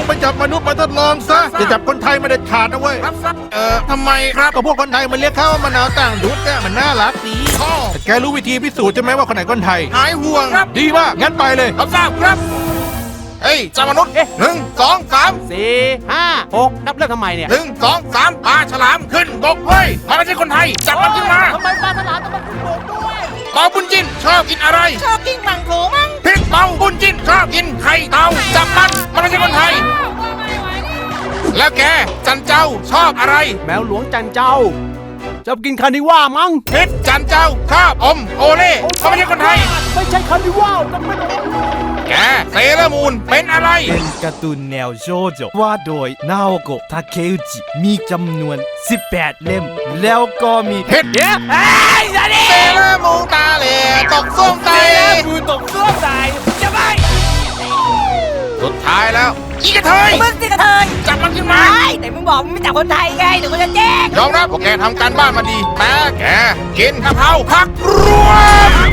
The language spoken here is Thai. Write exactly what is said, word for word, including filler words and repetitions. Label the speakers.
Speaker 1: ไปจับมนุษย์มาทดลองซะจะจับคนไทยไม่ได้ขาดนะเว้ยเออทำไมครับก็พวกคนไทยมันเรียกเขาว่ามะนาวต่างดุดเนี่ยมันน่ารักดีแต่แกรู้วิธีพิสูจน์ใช่ไหมว่าคนไหนคนไทยหายห่วงครับดีมากงั้นไปเลยรับทราบครับเฮ้ยจับมนุษย์หนึ่งสองสาม
Speaker 2: สี่ห้าหกนับเรื่องทำไมเนี่ย
Speaker 1: หนึ่งสองสามปลาฉลามขึ้นบกเว้ยมันไม่ใช่คนไทยจับมันขึ้นมา
Speaker 2: ทำไมปลาฉลามต้องมาขึ้นบกด้วย
Speaker 1: เปาบุญจินชอบกินอะไร
Speaker 3: ชอบกินมังโขมั้ง
Speaker 1: พิษเปาบุญจินชอบกินไข่เต่าจับมันมันไม่ใช่คนไทยแล้วแกจันเจ้าชอบอะไร
Speaker 2: แมวหลวงจันเจ้าจะกินคานิว่ามั้ง
Speaker 1: พิษจันเจ้าชอบอมโอเล่เขาไม่ใช่คนไทย
Speaker 2: ไม่ใช่คานิว่าต้องเป็น
Speaker 1: แกเซเลอร์มูนเป็นอะไร
Speaker 4: เป็นการ์ตูนแนวโชโจว่าโดยนาโอโกะทาเคอุจิมีจำนวนสิบแปดเล่มแล้วก็มี
Speaker 1: เฮ็ดเย้ไอ้ยันนี่เซเลอร์มูนตาเหล่ตกส้วมใจ
Speaker 2: เซเลอร์มูนตกส้วมใจจะไป
Speaker 1: สุดท้ายแล้วอีกระเทย
Speaker 3: มึงสิกระเทย
Speaker 1: จับมันขึ้นมา
Speaker 3: แต่มึงบอกมึงไม่จับคนไทยไงเดี๋ยวกูจะแจ้ง
Speaker 1: ยอมรับว่าแกทำการบ้านมาดีแต่แกกินกะเพราผักรวม